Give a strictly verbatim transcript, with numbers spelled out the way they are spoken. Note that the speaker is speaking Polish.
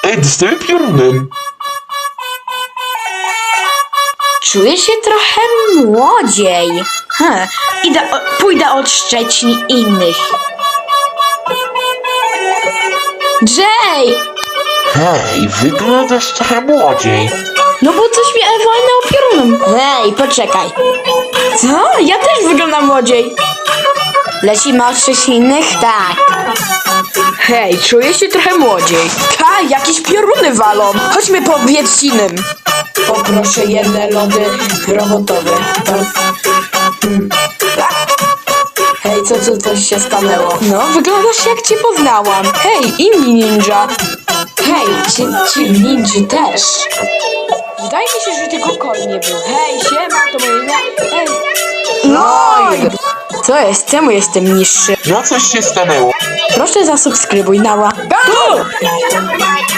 Ej, dostałem piorunem. Czuję się trochę młodziej. Hm, idę, o, pójdę od Szczecin innych. Jay! Hej, wyglądasz trochę młodziej. No bo coś mi walnęło piorunem. Hej, poczekaj. Co? Ja też wyglądam młodziej. Lecimy od innych? Tak. Hej, czuję się trochę młodziej. Ha, jakieś pioruny walą. Chodźmy po Wiedźcinem. Poproszę jedne lody robotowe. Hmm. Hej, co tu coś się stanęło? No, wyglądasz jak cię poznałam. Hej, inni ninja. Hej, ci, ci ninja też. Wydaje mi się, że tylko Kol nie był. Hej, siema, to moje imię. Hej. No! Co jest? Czemu jestem niższy? No coś się stanęło. Proszę zasubskrybuj nała.